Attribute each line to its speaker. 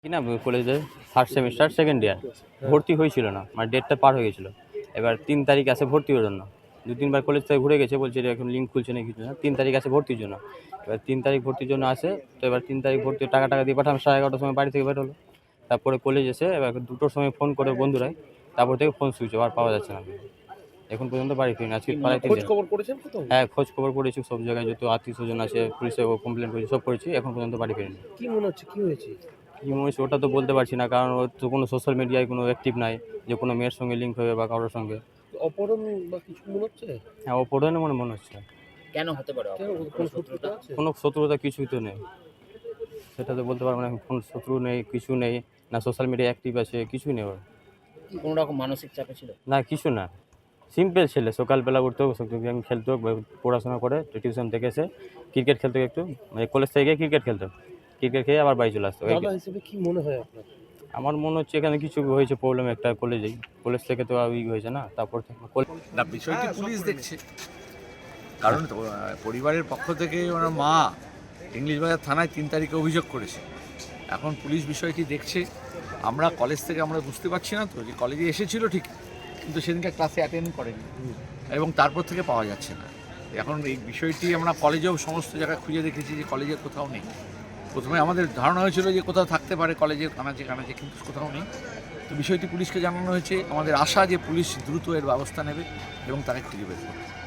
Speaker 1: কিনা কলেজে third semester second year ভর্তি হয়েছিল না, মানে ডেটটা পার হয়ে গেছিলো। এবার 3 তারিখ আছে ভর্তি হওয়ার জন্য। 2-3 বার কলেজ থেকে ঘুরে গেছে, বলছে যে এখন লিঙ্ক খুলছে না কিছু না। 3 তারিখ আছে ভর্তির জন্য। এবার 3 তারিখ ভর্তির জন্য আসে। তো এবার 3 তারিখ ভর্তি টাকা দিয়ে পাঠালাম, 11:30টার সময় বাড়ি থেকে বেরোলো। তারপরে কলেজ এসে এবার 2টোর সময় ফোন করে বন্ধুরাই, তারপর থেকে ফোন সুইচ অফ, আর পাওয়া যাচ্ছে না। এখন পর্যন্ত বাড়ি ফিরিনি, আজকে প্রায় 3
Speaker 2: খোঁজ
Speaker 1: দিন।
Speaker 2: খবর করেছেন কোথাও?
Speaker 1: হ্যাঁ, খোঁজ খবর করেছি সব জায়গায়, যত আত্মীয় স্বজন আছে পুলিশে কমপ্লেন করেছি, সব করেছি, এখন পর্যন্ত বাড়ি ফিরিনি।
Speaker 2: কি মনে হচ্ছে, কি হয়েছে?
Speaker 1: কী মনে হচ্ছে ওটা তো বলতে পারছি না, কারণ ওর তো কোনো সোশ্যাল মিডিয়ায় কোনো অ্যাক্টিভ নাই যে কোনো মেয়ের সঙ্গে লিঙ্ক হবে বা কারোর সঙ্গে।
Speaker 2: অপহরণ বা কিছু মনে হচ্ছে?
Speaker 1: হ্যাঁ, ও পড়ে না মনে হচ্ছে।
Speaker 3: কেন হতে পারে?
Speaker 2: কেন, কোনো শত্রুতা আছে?
Speaker 1: কোনো শত্রুতা কিছুই তো নেই, সেটা তো বলতে পারবো না। কোনো শত্রু নেই, কিছু নেই, না সোশ্যাল মিডিয়া অ্যাক্টিভ আছে, কিছুই নেই ওর।
Speaker 3: কোনো রকম মানসিক চাপে ছিল?
Speaker 1: না, কিছু না, সিম্পল ছেলে। সকালবেলা উঠতো, গেম খেলতো, পড়াশোনা করে, টিউশন থেকে এসে ক্রিকেট খেলতো একটু, মানে কলেজ থেকে গিয়ে ক্রিকেট খেলতো, ক্রিকেট খেয়ে আবার বাড়ি চলে আসতো।
Speaker 2: দাদা হিসেবে কি মনে হয় আপনার?
Speaker 1: আমার মনে হচ্ছে এখানে কিছু হয়েছে, প্রবলেম একটা কলেজেই। কলেজ থেকে তো হয়েছে না, তারপর
Speaker 4: না, বিষয়টি পুলিশ দেখছে, কারণ পরিবারের পক্ষ থেকে ওনার মা ইংলিশ বাজার থানায় 3 তারিখে অভিযোগ করেছে। এখন পুলিশ বিষয়টি দেখছে। আমরা কলেজ থেকে আমরা বুঝতে পারছি না তো, যে কলেজে এসেছিল ঠিক, কিন্তু সেদিনকে ক্লাসে অ্যাটেন্ড করেনি এবং তারপর থেকে পাওয়া যাচ্ছে না। এখন এই বিষয়টি আমরা কলেজেও সমস্ত জায়গায় খুঁজে দেখেছি যে কলেজে কোথাও নেই। প্রথমে আমাদের ধারণা হয়েছিল যে কোথাও থাকতে পারে কলেজের কানাচে, কিন্তু কোথাও নেই। তো বিষয়টি পুলিশকে জানানো হয়েছে। আমাদের আশা যে পুলিশ দ্রুত এর ব্যবস্থা নেবে এবং তাকে খুঁজে বের করবে।